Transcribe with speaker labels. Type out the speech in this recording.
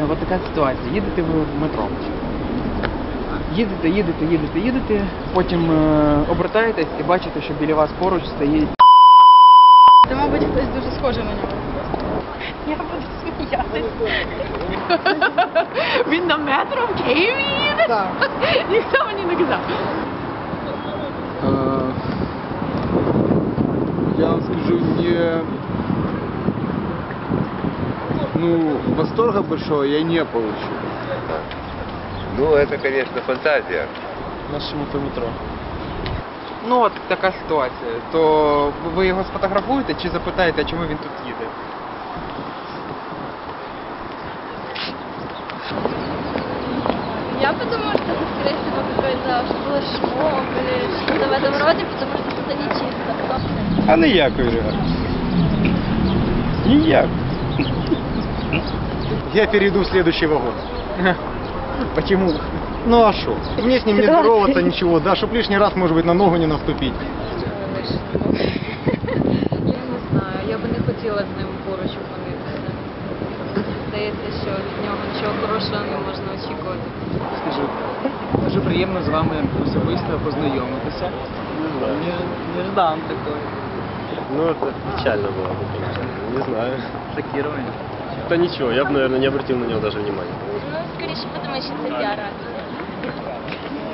Speaker 1: от така ситуація. Їдете ви в метро. Їдете, потім обертаєтесь і бачите, що біля вас поруч стоїть.
Speaker 2: Це, мабуть, хтось дуже схожий на нього. Я буду сміятись. Він на метро в Києві їде? Так. Ніхто мені не казав.
Speaker 3: Я вам скажу, восторга большого я не получил.
Speaker 4: Ну, это, конечно, фантазия.
Speaker 3: Нашему-то метро.
Speaker 1: Ну от така ситуація. То ви його сфотографуєте чи запитаєте, чому він тут їде?
Speaker 5: Я подумала, что это, скорее всего, какой-то флешмоб или что-то в этом роде, потому что это не чисто.
Speaker 6: А ніякої реакції. Ніяк.
Speaker 7: Я перейду в следующий вагон.
Speaker 1: Почему?
Speaker 7: Ну а что? Мне с ним не здороваться, ничего, да, чтоб лишний раз, может быть, на ногу не наступить.
Speaker 8: Я не знаю, я би не хотіла з ним поруч опинитися. Здається, що від нього нічого хорошого не можна очікувати.
Speaker 1: Скажу, дуже приємно з вами особисто познайомитися. Неждан такой.
Speaker 6: Ну, это печально было бы, конечно. Не знаю.
Speaker 1: Шокирование.
Speaker 6: Да ничего, я бы, наверное, не обратил на него даже внимания.
Speaker 5: Ну, скоріше, подумаю, що це піар-акція.